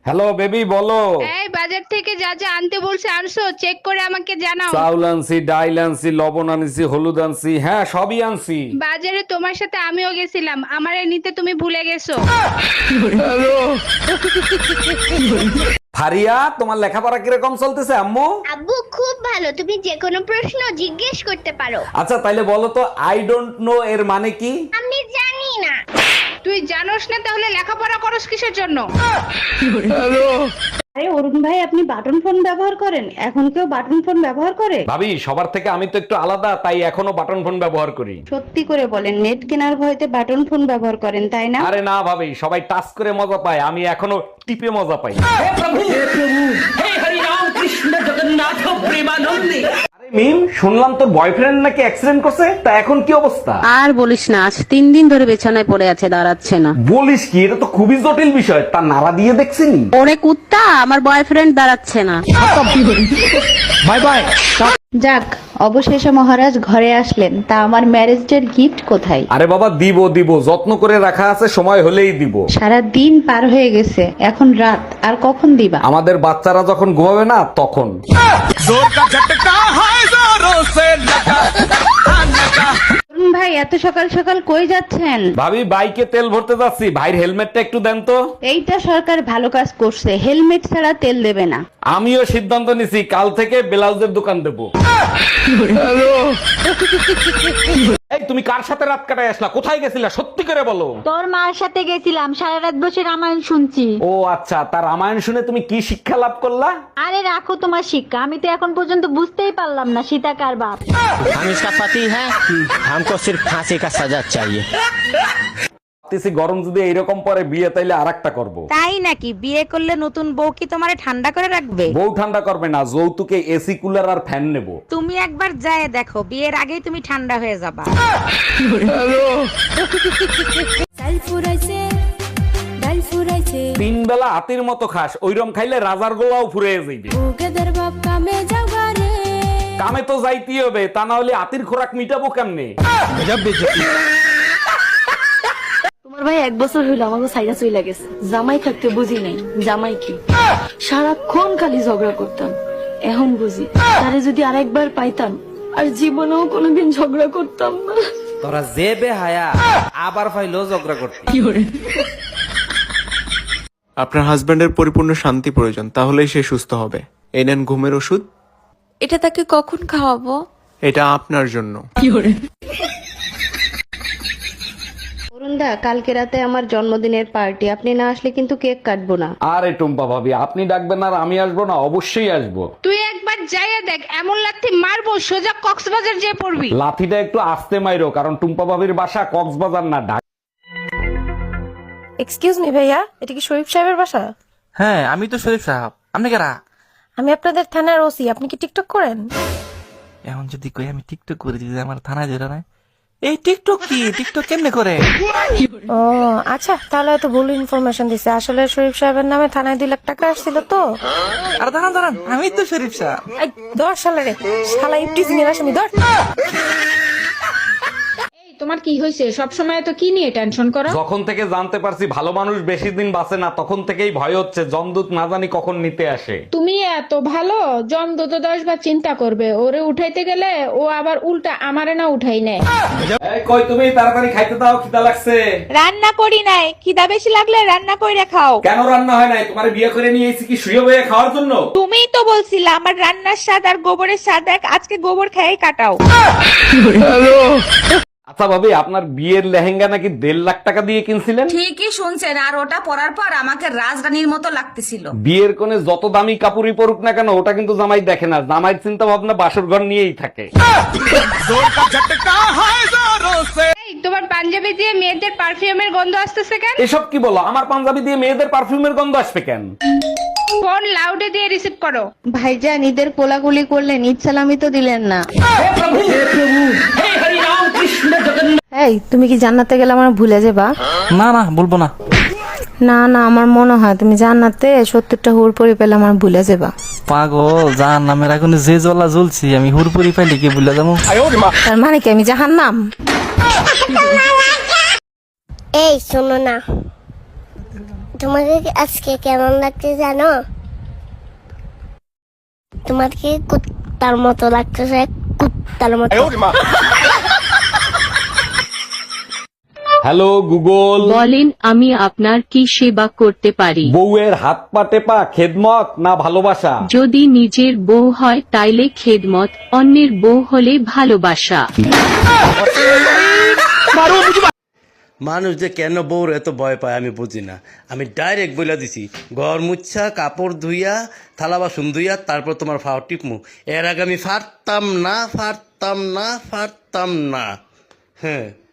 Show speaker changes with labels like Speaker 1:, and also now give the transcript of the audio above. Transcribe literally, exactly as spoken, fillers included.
Speaker 1: Hello baby বলো।
Speaker 2: এই বাজার থেকে যা যা আনতে বলছে আনছো, চেক করে আমাকে জানাও।
Speaker 1: চাউল আনছি, ডাইল আনছি, লবণ আনছি, হলুদ আনছি, হ্যাঁ সবই আনছি।
Speaker 2: বাজারে তোমার সাথে আমিও গেছিলাম, আমারে নিতে তুমি ভুলে গেছো।
Speaker 1: ফারিয়া, তোমার লেখাপড়া কিরকম চলতেছে আম্মু?
Speaker 3: আব্বু খুব ভালো, তুমি যে কোনো প্রশ্ন জিজ্ঞেস করতে পারো।
Speaker 1: আচ্ছা তাইলে বলো তো, আই ডোন্ট নো এর মানে কি?
Speaker 3: আমি জানি না।
Speaker 2: তুই জানোস না তাহলে লেখাপড়া করস কিসের জন্য?
Speaker 4: আরে অরুণ ভাই, আপনি বাটন ফোন ব্যবহার করেন? এখন কেউ বাটন ফোন ব্যবহার করে?
Speaker 1: ভাবি, সবার থেকে আমি তো একটু আলাদা, তাই এখনো বাটন ফোন ব্যবহার করি।
Speaker 4: সত্যি করে বলেন, নেট কেনার ভয়তে বাটন ফোন ব্যবহার করেন তাই না?
Speaker 1: আরে না ভাবি, সবাই টাচ করে মজা পায়, আমি এখনো টিপে মজা পাই। আরে মিম, শুনলাম তোর বয়ফ্রেন্ড নাকি অ্যাক্সিডেন্ট করছে, তা এখন কি অবস্থা?
Speaker 5: আর বলিস না, আজ তিন দিন ধরে বিছানায় পড়ে আছে, দাঁড়াচ্ছে না।
Speaker 1: বলিস কি, এটা তো খুবই জটিল বিষয়। তা নাড়া দিয়ে দেখছিনি?
Speaker 5: ওরে কুত্তা, আমার বয়ফ্রেন্ড দাঁড়াচ্ছে না।
Speaker 1: Bye bye.
Speaker 4: যাক, অবশেষে মহারাজ ঘরে আসলেন। তা আমার ম্যারেজ ডের গিফট কোথায়?
Speaker 1: আরে বাবা, দিব দিব, যত্ন করে রাখা আছে, সময় হলেই দিব।
Speaker 4: সারা দিন পার হয়ে গেছে, এখন রাত, আর কখন দিবা?
Speaker 1: আমাদের বাচ্চারা যখন ঘুমাবে না তখন।
Speaker 4: অরুণ ভাই, এত সকাল সকাল কই যাচ্ছেন?
Speaker 1: ভাবি, বাইকে তেল ভরতে যাচ্ছি, ভাইয়ের হেলমেটটা একটু দেন তো।
Speaker 4: এইটা সরকার ভালো কাজ করছে, হেলমেট ছাড়া তেল দেবে না।
Speaker 1: আমিও সিদ্ধান্ত নিছি, কাল থেকে ব্লাউজের দোকান দেবো। এই তুমি কার সাথে রাত কাটায় আসলা? কোথায় গেছিলা সত্যি করে বলো।
Speaker 6: তোর মার সাথে গেছিলাম, সারা রাত বসে রামায়ণ শুনছি।
Speaker 1: ও আচ্ছা, তার রামায়ণ শুনে তুমি কি শিক্ষা লাভ করলা?
Speaker 6: আরে রাখো তোমার শিক্ষা, আমি তো এখন পর্যন্ত বুঝতেই পারলাম না সীতা কার বাপ।
Speaker 7: हम इसका पति है, हमको सिर्फ फांसी का सजा चाहिए।
Speaker 1: ভাবতেছি গরম যদি এইরকম পরে বিয়ে, তাইলে আরেকটা করব।
Speaker 8: তাই নাকি? বিয়ে করলে নতুন বউ কি তোমারে ঠান্ডা করে রাখবে?
Speaker 1: বউ ঠান্ডা করবে না, যৌতুকে এসি কুলার আর ফ্যান নেব।
Speaker 8: তুমি একবার যায় দেখো, বিয়ের আগেই তুমি ঠান্ডা হয়ে যাবা।
Speaker 1: তিন বেলা হাতির মতো খাস, ওইরকম খাইলে রাজার গোলাও ফুরে যাইবে। কামে তো যাইতেই হবে, তা না হলে হাতির খোরাক মিটাবো কেমনে?
Speaker 9: তোমার ভাই এক বছর হইলো আমাকে সাইরা চইলা গেছে। জামাই থাকতে বুঝি নাই জামাই কি, সারাক্ষণ খালি ঝগড়া করতাম। এখন বুঝি, তারে যদি আরেকবার পাইতাম আর জীবনেও কোনোদিন ঝগড়া করতাম না।
Speaker 7: তোরা যে বেহায়া আবার ফাইলো ঝগড়া করতে।
Speaker 10: আপনার হাজবেন্ডের পরিপূর্ণ শান্তি প্রয়োজন, তাহলেই সে সুস্থ হবে। এই নেন ঘুমের ওষুধ।
Speaker 9: এটা তাকে কখন খাওয়াবো?
Speaker 10: এটা আপনার জন্য।
Speaker 4: অরুণ দা, কালকে রাতে আমার জন্মদিনের পার্টি, আপনি না আসলে কিন্তু কেক কাটবো না।
Speaker 1: আরে টুম্পা ভাবি, আপনি ডাকবেন আর আমি আসবো না? অবশ্যই আসবো।
Speaker 2: তুই একবার যাইয়া দেখ, এমন লাথি মারবো সোজা কক্সবাজার যেয়ে পড়বি।
Speaker 1: লাথিটা একটু আস্তে মাইরো, কারণ টুম্পা ভাবির বাসা কক্সবাজার না, ঢাকা।
Speaker 9: এক্সকিউজ মি ভাইয়া, এটা কি শরীফ সাহেবের বাসা?
Speaker 7: হ্যাঁ, আমি তো শরীফ সাহেব। আপনি কারা?
Speaker 9: আমি আপনাদের থানার ওসি। আপনি কি টিকটক করেন?
Speaker 7: এখন যদি কই আমি টিকটক করে দিই, আমার থানায় ধরে নাই। এই টিকটক কি? টিকটক কেমনে করে?
Speaker 9: ও আচ্ছা, তাহলে তো ভুল ইনফরমেশন দিছে। আসলে শরীফ সাহেবের নামে থানায় দুই লাখ টাকা আসছিল তো।
Speaker 7: আর দাঁড়ান দাঁড়ান, আমি তো শরীফ সাহেব।
Speaker 9: এই দশ সালে রে শালা ইফটিজিং এর আসামি ধর।
Speaker 2: তোমার কি হয়েছে? সব সময় তো কি নিয়ে টেনশন করো?
Speaker 1: যখন থেকে জানতে পারছি ভালো মানুষ বেশি দিন বাঁচে না, তখন থেকেই ভয় হচ্ছে জমদূত না জানি কখন নিতে আসে।
Speaker 2: তুমি এত ভালো, জমদূত দশ বার চিন্তা করবে, ওরে উঠাইতে গেলে ও আবার উল্টা আমারে না উঠাই নেয়।
Speaker 1: এই কই তুমি, তাড়াতাড়ি খাইতে দাও, খিদা লাগছে।
Speaker 8: রান্না করি নাই, খিদা বেশি লাগলে রান্না কইরা খাও।
Speaker 1: কেন রান্না হয় নাই? তোমার বিয়ে করে নিয়ে এসেছি কি শুয়ে বয়ে খাওয়ার জন্য?
Speaker 8: তুমিই তো বলছিলা আমার রান্নার স্বাদ আর গোবরের স্বাদ এক, আজকে গোবর খেয়েই কাটাও।
Speaker 1: আচ্ছা ভাবি, আপনার বিয়ের লেহেঙ্গা নাকি দেড় লাখ টাকা দিয়ে কিনছিলেন?
Speaker 8: ঠিকই শুনছেন, আর ওটা পরার পর আমাকে রাজরানীর মতো লাগতেছিল।
Speaker 1: বিয়ের কোণে যত দামি কাপড়ই পরুক না কেন, ওটা কিন্তু জামাই দেখে না। জামাইয়ের চিন্তা ভাবনা বাসর ঘর নিয়েই থাকে।
Speaker 2: এই, তোমার পাঞ্জাবি দিয়ে মেয়েদের পারফিউমের গন্ধ আসতেছে কেন?
Speaker 1: এসব কি বলো? আমার পাঞ্জাবি দিয়ে মেয়েদের পারফিউমের গন্ধ আসবে কেন?
Speaker 2: ফোন লাউডে দিয়ে রিসিভ করো।
Speaker 4: ভাইজান, ঈদের কোলাকুলি করলেন, ঈদ সালামি তো দিলেন না। এই, তুমি কি জান্নাতে গেলে আমার ভুলে যাবা?
Speaker 7: না না, বলবো না।
Speaker 9: না না, আমার মনে হয় তুমি জান্নাতে সত্তরটা হুর পরি পেলে আমার ভুলে যাবা।
Speaker 7: পাগল, জান নামের আগুনে যে জ্বলা জ্বলছি, আমি হুরপুরি পাইলে কি ভুলে যাবো?
Speaker 9: তার মানে কি আমি জাহান্নাম?
Speaker 3: এই শোনো না, তোমাকে আজকে কেমন লাগছে জানো? তোমাকে কুত্তার মতো লাগতেছে, কুত্তার মতো।
Speaker 1: হ্যালো গুগল,
Speaker 5: বলেন আমি আপনার কি সেবা করতে পারি?
Speaker 1: বউয়ের হাত পা টেপা খেদমত না ভালোবাসা?
Speaker 5: যদি নিজের বউ হয় তাইলে খেদমত, অন্যের বউ হলে ভালোবাসা।
Speaker 11: মানুষ যে কেন বউর এত ভয় পায় আমি বুঝি না। আমি ডাইরেক্ট বইলা দিছি, ঘর মুচ্ছা কাপড় ধুইয়া থালা বাসন ধুইয়া তারপর তোমার ফাও টিপমু। এর আগে আমি ফারতাম না, ফারতাম না, ফারতাম না। হ্যাঁ।